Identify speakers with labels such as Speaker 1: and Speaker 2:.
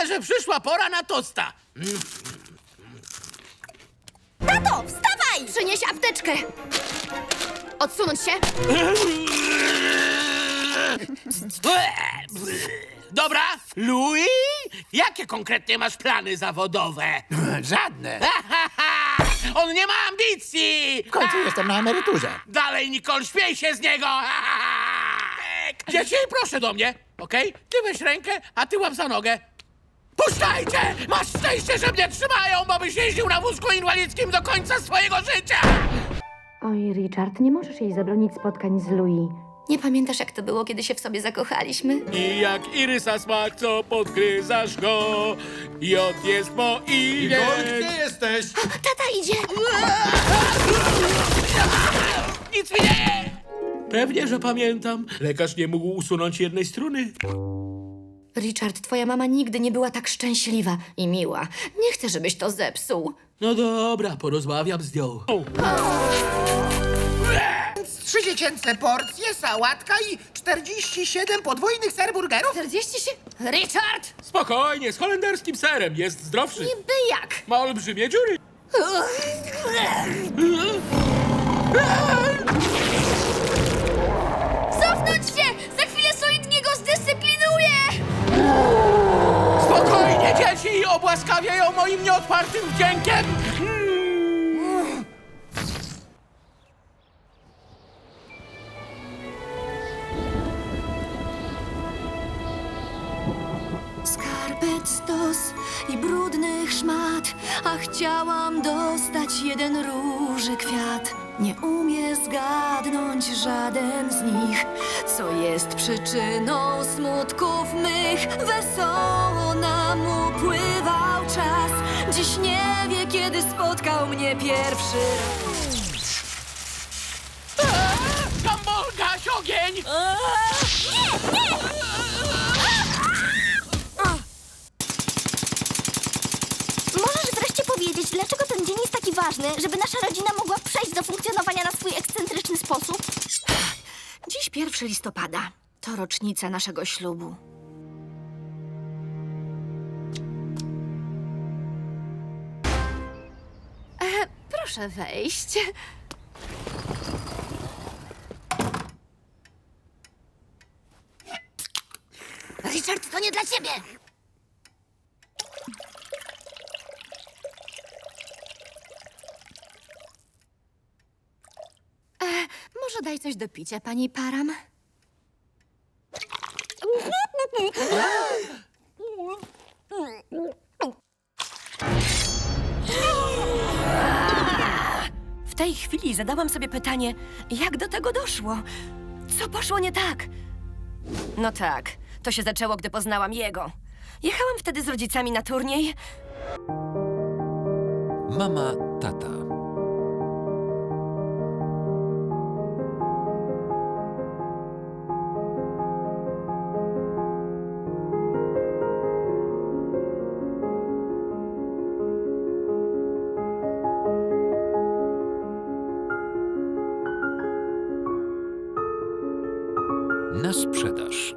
Speaker 1: Myślę, że przyszła pora na tosta.
Speaker 2: Tato, wstawaj! Przynieś apteczkę. Odsunąć się.
Speaker 1: Dobra, Louis, jakie konkretnie masz plany zawodowe?
Speaker 3: Żadne.
Speaker 1: On nie ma ambicji!
Speaker 3: W końcu jestem na emeryturze.
Speaker 1: Dalej, Nicole, śmiej się z niego! Dzieci, proszę do mnie, okej? Ty weź rękę, a ty łap za nogę. Puszczajcie! Masz szczęście, że mnie trzymają, bo byś jeździł na wózku inwalidzkim do końca swojego życia!
Speaker 4: Oj, Richard, nie możesz jej zabronić spotkań z Louis.
Speaker 2: Nie pamiętasz, jak to było, kiedy się w sobie zakochaliśmy?
Speaker 1: I jak irysa smak, co podgryzasz go, J jest mo i
Speaker 3: Gdzie jesteś?
Speaker 2: Tata idzie!
Speaker 1: Nic mi nie! Pewnie, że pamiętam. Lekarz nie mógł usunąć jednej struny.
Speaker 2: Richard, twoja mama nigdy nie była tak szczęśliwa i miła. Nie chcę, żebyś to zepsuł.
Speaker 1: No dobra, porozmawiam z nią.
Speaker 5: 3 dziecięce porcje, sałatka i 47 podwójnych serburgerów?
Speaker 2: 40 się... Richard!
Speaker 1: Spokojnie, z holenderskim serem, jest zdrowszy.
Speaker 2: Niby jak?
Speaker 1: Ma olbrzymie dziury.
Speaker 2: Cofnąć się! Za chwilę solidnie go zdyscyplinuję!
Speaker 1: Spokojnie, dzieci, obłaskawię ją moim nieodpartym wdziękiem.
Speaker 6: Skarpet stos i brudnych szmat, a chciałam dostać jeden róży kwiat. Nie umie zgadnąć żaden z nich, co jest przyczyną smutków mych. Wesoło nam upływał czas, dziś nie wie, kiedy spotkał mnie pierwszy raz.
Speaker 1: Gumball, gaś ogień!
Speaker 7: Możesz wreszcie powiedzieć, dlaczego ten dzień jest taki ważny, żeby nasza rodzina mogła przejść do funkcjonowania na swój ekscentryczny sposób?
Speaker 6: Dziś 1 listopada. To rocznica naszego ślubu.
Speaker 2: Proszę wejść.
Speaker 7: Richard, to nie dla ciebie!
Speaker 2: Może daj coś do picia, pani Param?
Speaker 6: W tej chwili zadałam sobie pytanie, jak do tego doszło? Co poszło nie tak? No tak, to się zaczęło, gdy poznałam jego. Jechałam wtedy z rodzicami na turniej.
Speaker 8: Mama, tata. Na sprzedaż.